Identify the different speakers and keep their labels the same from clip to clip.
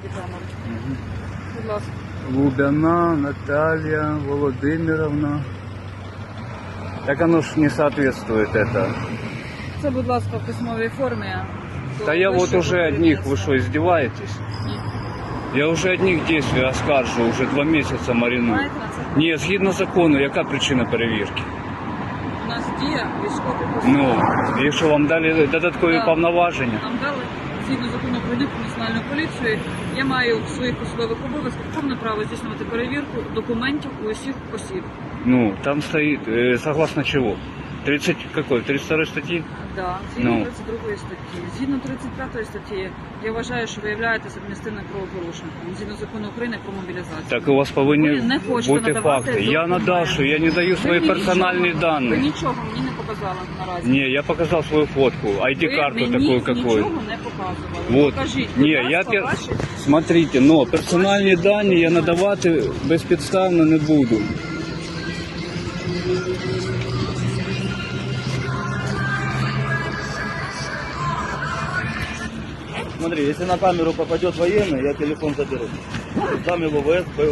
Speaker 1: бодікамеру. Будь ласка.
Speaker 2: Лубяна Наталья Володимировна. Так оно ж не соответствует это.
Speaker 1: Це, будь ласка, в письмовій формі.
Speaker 2: Да я вот уже одних, вы что, издеваетесь? Я уже одних действий оскаржу, уже 2 месяца мариную.
Speaker 1: Знаєте на це?
Speaker 2: Ні, згідно закону, яка причина перевірки?
Speaker 1: У нас діє військовий
Speaker 2: Ну, якщо вам дали додаткові
Speaker 1: Так.
Speaker 2: повноваження,
Speaker 1: Нам дали, згідно закону України про національну поліцію, я маю в своїх посадових обов'язках повне право здійснювати перевірку документів у усіх осіб.
Speaker 2: ну, там стоит, согласно чего? 32 статьи?
Speaker 1: Да, згідно
Speaker 2: Ну.
Speaker 1: 32 статті. Згідно 35 статті, я вважаю, що ви являєтесь адміністративним правопорушником. Згідно закону України про мобілізацію.
Speaker 2: Так у вас повинні
Speaker 1: Ви не хочете
Speaker 2: бути
Speaker 1: надавати
Speaker 2: факти. Я
Speaker 1: документи.
Speaker 2: надав, що я не даю свої
Speaker 1: Ви
Speaker 2: персональні
Speaker 1: нічого-
Speaker 2: дані.
Speaker 1: Ви нічого мені не показали наразі.
Speaker 2: Не, я показал свою фотку, ID-карту
Speaker 1: Ви мені
Speaker 2: такую, какую.
Speaker 1: нічого не показували.
Speaker 2: Вот.
Speaker 1: Покажіть, будь
Speaker 2: Не,
Speaker 1: ласка,
Speaker 2: я
Speaker 1: ваші...
Speaker 2: смотрите, но персональні дані я надавати безпідставно не буду.
Speaker 3: Смотри, если на камеру попадет военный, я телефон заберу. Дам его в СБУ.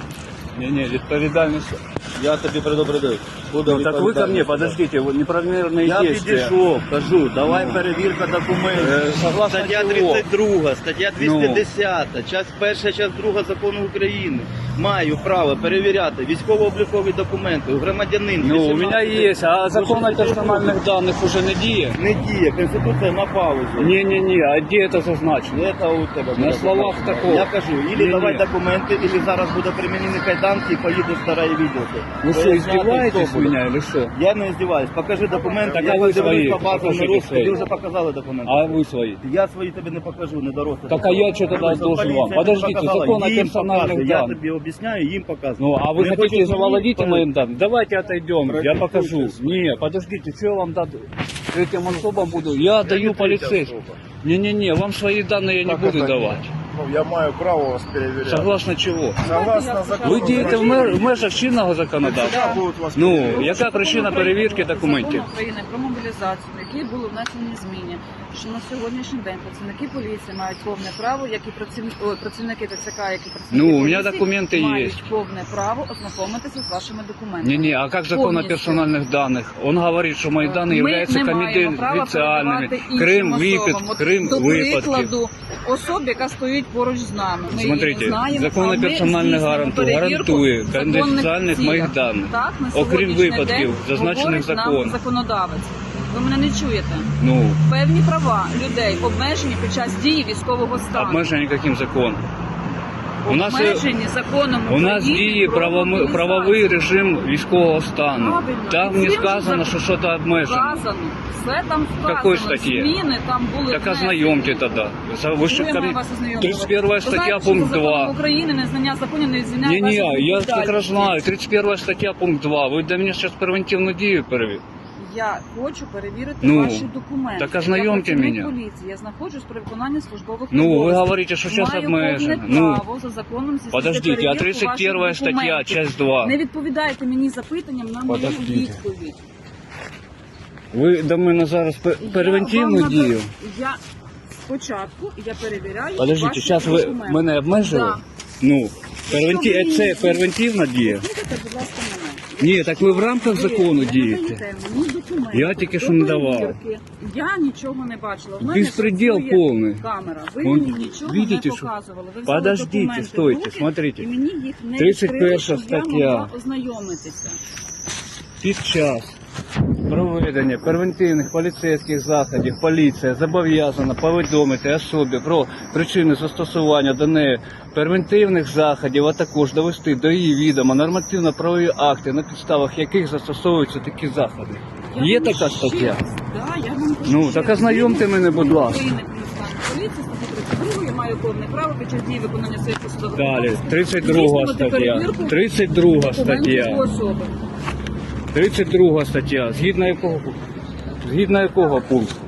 Speaker 2: Не, відповідальність.
Speaker 3: Я тебе предупредил. Буду
Speaker 2: Ну, так вы ко мне, подождите, вот неправомерные
Speaker 3: Я
Speaker 2: действия.
Speaker 3: підійшов, кажу, давай перевірка документів.
Speaker 2: Согласно
Speaker 3: Стаття
Speaker 2: чого?
Speaker 3: 32, стаття 210, часть 1, часть 2 закону України. Маю право перевіряти військово-облікові документи у громадянин.
Speaker 2: Ну, у
Speaker 3: 18.
Speaker 2: меня есть, а закон о персональных данных уже не діє?
Speaker 3: Не діє, Конституція на паузу.
Speaker 2: Не, а где это зазначено?
Speaker 3: Это у тебе
Speaker 2: На
Speaker 3: буде
Speaker 2: словах
Speaker 3: записано.
Speaker 2: такого.
Speaker 3: Я кажу, ілі
Speaker 2: Ні-ні.
Speaker 3: давай документи, ілі зараз буде примінені кайданки і поїду в старе відділки.
Speaker 2: Вы что, издеваетесь с меня или что?
Speaker 3: Я не издеваюсь. Покажи документи.
Speaker 2: Так,
Speaker 3: Я
Speaker 2: а ви
Speaker 3: подивлюсь
Speaker 2: свої,
Speaker 3: по базам
Speaker 2: покажіть
Speaker 3: народ.
Speaker 2: свої.
Speaker 3: Тобі вже показали документи.
Speaker 2: А вы свои?
Speaker 3: Я свої тобі не покажу, не дорослий.
Speaker 2: Так, а я що тоді должен вам? Подождите, закон о
Speaker 3: їм
Speaker 2: персональних
Speaker 3: показую. Я
Speaker 2: даних.
Speaker 3: тобі об'ясняю, їм показую.
Speaker 2: Ну, а вы
Speaker 3: Не
Speaker 2: хотите
Speaker 3: хочеш
Speaker 2: завладеть
Speaker 3: мені,
Speaker 2: моим данным? Давайте отойдем, я покажу.
Speaker 3: Практикуйтесь.
Speaker 2: Не, подождите, что я вам даду? Этим особам буду? Я даю полицейским. Не, вам свои данные я не буду давать.
Speaker 4: Ну, я маю право вас перевіряти.
Speaker 2: Согласно чего?
Speaker 4: Согласно закону.
Speaker 2: Ви дієте в межах чинного законодавства?
Speaker 4: Всегда будуть вас
Speaker 2: Ну,
Speaker 4: перевіряти.
Speaker 2: яка причина перевірки документів?
Speaker 1: Закон України про мобілізацію, в якій були внесені зміни, що на сьогоднішній день працівники поліції мають повне право, як і працівники ТЦК, як і працівники
Speaker 2: Ну, у
Speaker 1: поліції,
Speaker 2: мене документи є.
Speaker 1: мають повне право ознайомитися з вашими документами.
Speaker 2: Не, а как закон о
Speaker 1: Повністю.
Speaker 2: персональных данных? Он говорит, что мои данные
Speaker 1: Ми
Speaker 2: являются
Speaker 1: не маємо права
Speaker 2: конфиденциальными.
Speaker 1: передавати
Speaker 2: Крим
Speaker 1: іншим
Speaker 2: випадки,
Speaker 1: особам. От,
Speaker 2: Крим
Speaker 1: до
Speaker 2: випадки.
Speaker 1: прикладу, особі, яка стоїть поруч з нами. Ми
Speaker 2: Смотрите,
Speaker 1: її знаємо,
Speaker 2: закон
Speaker 1: а
Speaker 2: о
Speaker 1: ми
Speaker 2: персональних
Speaker 1: здійснюємо перевірку
Speaker 2: гарантує
Speaker 1: в законних
Speaker 2: конфіденціальних
Speaker 1: цілях.
Speaker 2: моїх даних.
Speaker 1: Так, на
Speaker 2: Окрім
Speaker 1: сьогоднішній
Speaker 2: випадків,
Speaker 1: день
Speaker 2: зазначених
Speaker 1: говорить нам
Speaker 2: законом.
Speaker 1: законодавець. Ви мене не чуєте.
Speaker 2: Ну,
Speaker 1: Певні права людей обмежені під час дії військового стану.
Speaker 2: обмежені яким законом? У нас,
Speaker 1: Обмежені законом
Speaker 2: у нас
Speaker 1: України
Speaker 2: діє
Speaker 1: про мобілізацію.
Speaker 2: правовий режим військового стану.
Speaker 1: Правильно.
Speaker 2: Там
Speaker 1: І
Speaker 2: не
Speaker 1: цим
Speaker 2: сказано,
Speaker 1: же
Speaker 2: що щось обмежено.
Speaker 1: Вказано. Все там вказано.
Speaker 2: Какой статье?
Speaker 1: Зміни там були
Speaker 2: Так
Speaker 1: внесені.
Speaker 2: ознайомьте тогда. Вы
Speaker 1: Що
Speaker 2: же
Speaker 1: я
Speaker 2: ко
Speaker 1: маю
Speaker 2: мне-
Speaker 1: вас ознайомити?
Speaker 2: 31
Speaker 1: Ви
Speaker 2: стаття,
Speaker 1: знаєте,
Speaker 2: пункт
Speaker 1: що за законом
Speaker 2: 2.
Speaker 1: України незнання законів не звільняє
Speaker 2: Не,
Speaker 1: вашу
Speaker 2: я
Speaker 1: відповідальність.
Speaker 2: прекрасно знаю. 31 стаття, пункт 2. Ви до мене зараз превентивну дію перевели.
Speaker 1: Я хочу перевірити
Speaker 2: Ну,
Speaker 1: ваші документи.
Speaker 2: так ознайомте
Speaker 1: Я працівник
Speaker 2: мене.
Speaker 1: поліції, я знаходжусь при виконанні службових
Speaker 2: Ну,
Speaker 1: обов'язків.
Speaker 2: ви говорите, що зараз
Speaker 1: Маю
Speaker 2: обмежено.
Speaker 1: повне
Speaker 2: Ну,
Speaker 1: право за законом здійснити
Speaker 2: подождите, а
Speaker 1: перевірку
Speaker 2: 31
Speaker 1: ваших
Speaker 2: стаття,
Speaker 1: документів.
Speaker 2: часть 2.
Speaker 1: Не відповідайте мені запитанням на мою
Speaker 2: Подождите.
Speaker 1: відповідь.
Speaker 2: Ви до мене зараз превентивну
Speaker 1: Я вам
Speaker 2: дію?
Speaker 1: Я спочатку я перевіряю
Speaker 2: Подождите,
Speaker 1: ваші
Speaker 2: зараз ви
Speaker 1: документи.
Speaker 2: мене обмежили?
Speaker 1: Да.
Speaker 2: Ну,
Speaker 1: ви
Speaker 2: це
Speaker 1: мені-
Speaker 2: превентивна дія?
Speaker 1: Слухайте, будь ласка, мене.
Speaker 2: Ні, так ви в рамках закону
Speaker 1: Ви не
Speaker 2: дієте.
Speaker 1: надаєте мені документи
Speaker 2: Я тільки
Speaker 1: до
Speaker 2: що не давав.
Speaker 1: перевірки. Я нічого не бачила. В мене
Speaker 2: Беспредел
Speaker 1: працює
Speaker 2: повний.
Speaker 1: камера. Ви
Speaker 2: Он-
Speaker 1: мені нічого
Speaker 2: видите,
Speaker 1: не
Speaker 2: що-
Speaker 1: показували. Ви взяли
Speaker 2: Подождите,
Speaker 1: документи в
Speaker 2: стойте,
Speaker 1: руки,
Speaker 2: смотрите.
Speaker 1: І мені їх не
Speaker 2: 31
Speaker 1: відкрили, щоб я
Speaker 2: стаття.
Speaker 1: могла ознайомитися.
Speaker 2: Під час проведення превентивних поліцейських заходів поліція зобов'язана повідомити особі про причини застосування до неї превентивних заходів, а також довести до її відома нормативно-правові акти, на підставах яких застосовуються такі заходи.
Speaker 1: Я
Speaker 2: Є
Speaker 1: вам
Speaker 2: така
Speaker 1: ще
Speaker 2: стаття?
Speaker 1: раз, да, я вам кажу
Speaker 2: Ну,
Speaker 1: ще
Speaker 2: так
Speaker 1: раз.
Speaker 2: ознайомте мене, будь ласка.
Speaker 1: України про національну поліцію, статті 32, я маю повне право під час дії виконання своїх посадових
Speaker 2: Далі,
Speaker 1: обов'язків
Speaker 2: 32
Speaker 1: здійснювати
Speaker 2: стаття.
Speaker 1: перевірку
Speaker 2: 32
Speaker 1: документів
Speaker 2: стаття.
Speaker 1: особи.
Speaker 2: 32 стаття. Згідно якого пункту?